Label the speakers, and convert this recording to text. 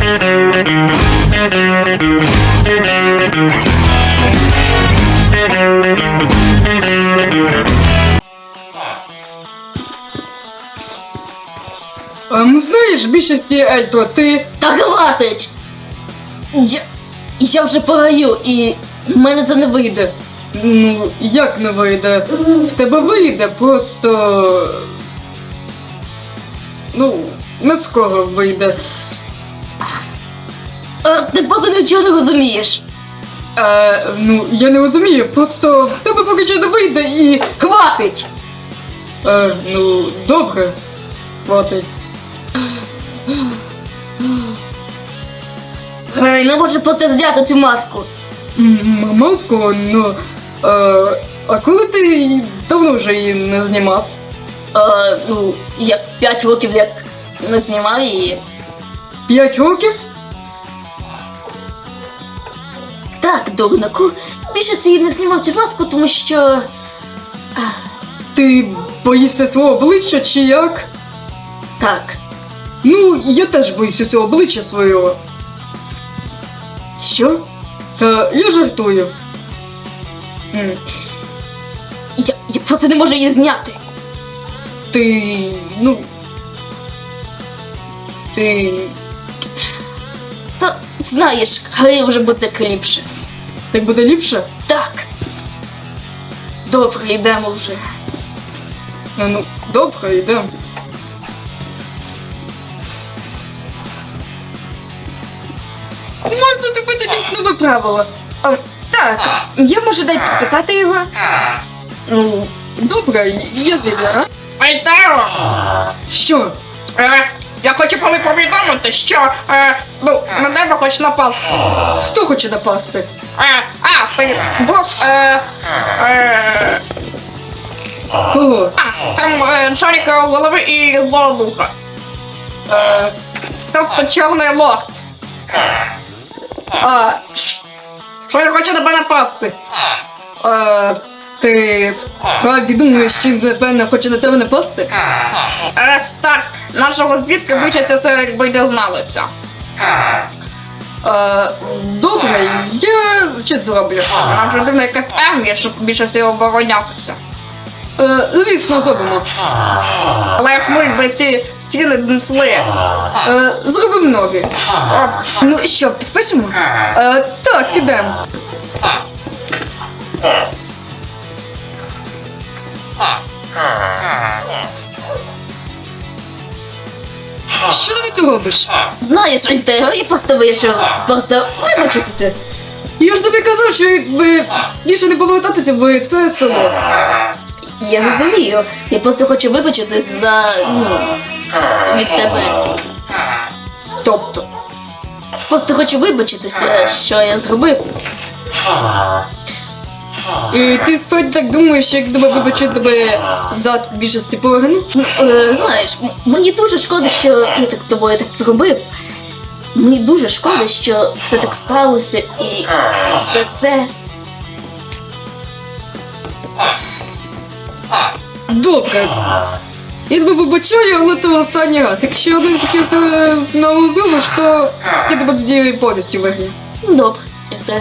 Speaker 1: Знаєш, більшості Ельто, ти...
Speaker 2: Та хватить! Я вже погаю, і в мене це не вийде.
Speaker 1: Ну, як не вийде? В тебе вийде, просто... Ну, не скоро вийде.
Speaker 2: Ти просто нічого не розумієш.
Speaker 1: Ну, я не розумію, просто в тебе поки що не вийде і...
Speaker 2: Хватить!
Speaker 1: Ну, добре. Хватить.
Speaker 2: Не можу просто зняти цю маску.
Speaker 1: Маску, ну... А коли ти давно вже її не знімав?
Speaker 2: Ну, я 5 років як не знімав її.
Speaker 1: 5 років?
Speaker 2: Так, дурнику. Більше її не знімав цю маску, тому що...
Speaker 1: Ти боїшся свого обличчя чи як?
Speaker 2: Так.
Speaker 1: Ну, я теж боюся цього обличчя свого. Що? Я жартую.
Speaker 2: Я просто не можу її зняти.
Speaker 1: Ти... ну... Ти...
Speaker 2: Та, знаєш, хай вже буде так ліпше.
Speaker 1: Так буде ліпше?
Speaker 2: Так. Добре, йдемо вже.
Speaker 1: Ну, добре, йдемо.
Speaker 2: Можна зробити якесь нове правило. Так, я можу дати підписати його.
Speaker 1: Ну, добре, я зійду, а?
Speaker 3: Ей, Тео!
Speaker 1: Що?
Speaker 3: Я хочу повідомити, що на тебе хоче напасти.
Speaker 1: Хто хоче напасти?
Speaker 3: Ти був,
Speaker 1: Кого?
Speaker 3: там Шарика в голови і злого духа. Тобто чорний лорд. Що він хоче тебе напасти.
Speaker 1: Ти справді думаєш, що він, напевно, хоче на тебе напасти?
Speaker 3: Так, наша розвідка вичаться це, якби дізналися.
Speaker 1: Добре, я що зроблю?
Speaker 3: Нам потрібна якась армія, щоб більше всього оборонятися.
Speaker 1: Звісно, зробимо.
Speaker 3: Але як ми б ці стіни знесли.
Speaker 1: Зробимо нові. Ну що, підпишемо? Так, ідемо. Що ти тут робиш?
Speaker 2: Знаєш, Альтео, я просто вийшов. Просто вибачитися.
Speaker 1: Я ж тобі казав, що якби більше не повертатися в це село.
Speaker 2: Я розумію. Я просто хочу вибачитись за, від тебе.
Speaker 1: Тобто,
Speaker 2: Просто хочу вибачитися, що я зробив.
Speaker 1: і ти справді так думаєш, що як тебе вибачу, тебе за більшості поверну?
Speaker 2: Знаєш, мені дуже шкода, що я так з тобою так зробив. Мені дуже шкода, що все так сталося і все це.
Speaker 1: Добре. Я тебе вибачаю, але це останній раз. Якщо один таке знову зробиш, то я тебе тоді повністю вигню.
Speaker 2: Добре, Альтео.